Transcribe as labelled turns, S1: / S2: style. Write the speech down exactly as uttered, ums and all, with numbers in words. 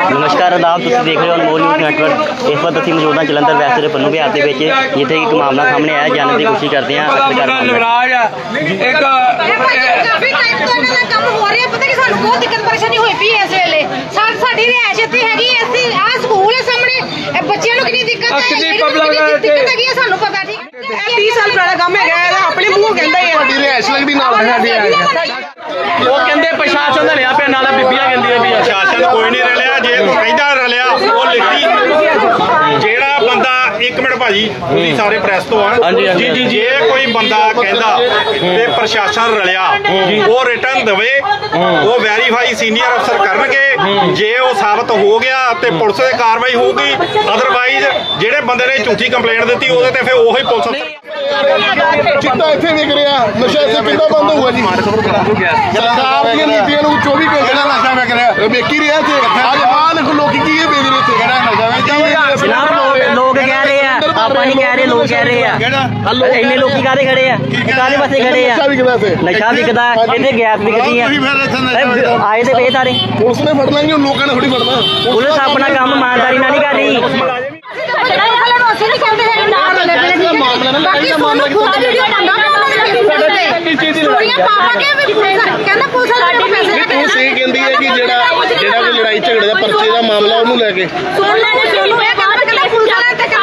S1: नमस्कार आदाब, तुम देख रहे हो अनमोल न्यूज़ नेटवर्क। इस वक्त असं मौजूद हाँ जलंधर वैस्ट के पन्नू बिहार के जिथे एक मामला सामने आया, जानने की कोशिश करते हैं।
S2: तीस साल पुराना काम है, अपने मूँह कहता ही रिहायश लगती प्रशासन ने लिया पे नाला बीबियां कहंदियां भी
S3: प्रशासन कोई नहीं रलिया, जे कहंदा रलिया वो लिखी जेड़ा बंदा एक मिनट भाजी तुसीं सारे प्रेस तो आ जी जी जे कोई बंदा कहंदा ते प्रशासन रलिया वो रिटर्न देवे, वो वेरीफाई सीनियर अफसर करनगे। जे वो साबित हो गया ते पुलिस की कार्रवाई होगी, अदरवाइज जेड़े बंदे ने झूठी कंप्लेंट दी ओहदे ते फिर ओही पुलिस
S4: चिट्टा इत्थे विक रहा, नशा इत्थे किद्दां बंद होऊगा जी? सरकार दी नीतियां नूं चौबी घंटे नशा विक रहा, विक ही रहा इत्थे। अज आ देखो लोकी की बेच रहे इत्थे, किहड़ा नशा
S1: जनाब लोग कह रहे हैं, आप नहीं कह रहे, लोग कह रहे हैं। इन्ने लोग काहदे खड़े हैं, काहदे पासे खड़े हैं?
S4: नशा विकदा इत्थे,
S1: नशा विकदा, इत्थे गैस विकदी है। आए तो पे सारे
S4: पुलिस ने फड़ लेंगे, लोगों ने थोड़ी फड़ना।
S1: पुलिस अपना काम ईमानदारी नाल नहीं कर रही।
S4: तू सही कहती है कि जेड़ा जेड़ा कोई लड़ाई झगड़े का परचे का मामला उन्होंने लैके